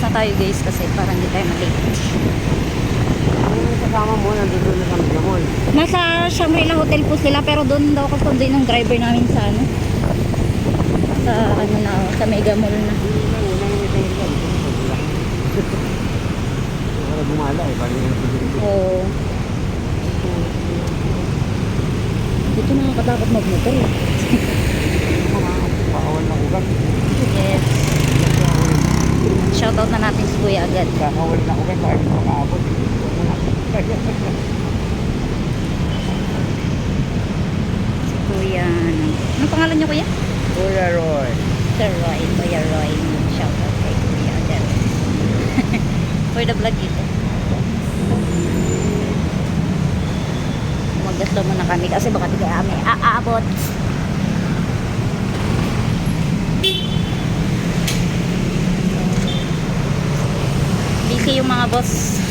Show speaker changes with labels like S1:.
S1: na tayo guys kasi para hindi tayo malate.
S2: Yung kasama mo, nandito na sa Mega Mall.
S1: Nasa Shangri-La Hotel po sila pero doon daw kasundo ng driver namin sa ano. Sa ano na, sa Mega Mall na.
S2: Para gumala eh, parang yung pagkakas.
S1: Oo. Dito nakakatakot magmotor eh.
S2: Mga pakawal na ugat.
S1: Yes. Shoutout na natin si Kuya agad.
S2: Kakawal na ugat, bakit makaabot?
S1: Si Kuya, anong pangalan niyo Kuya?
S2: Kuya Roy.
S1: Sir Roy, Kuya Roy. Shoutout kay Kuya agad. For the vlog dito. Maggaslo muna kami kasi baka di kami aabot. Busy yung mga boss.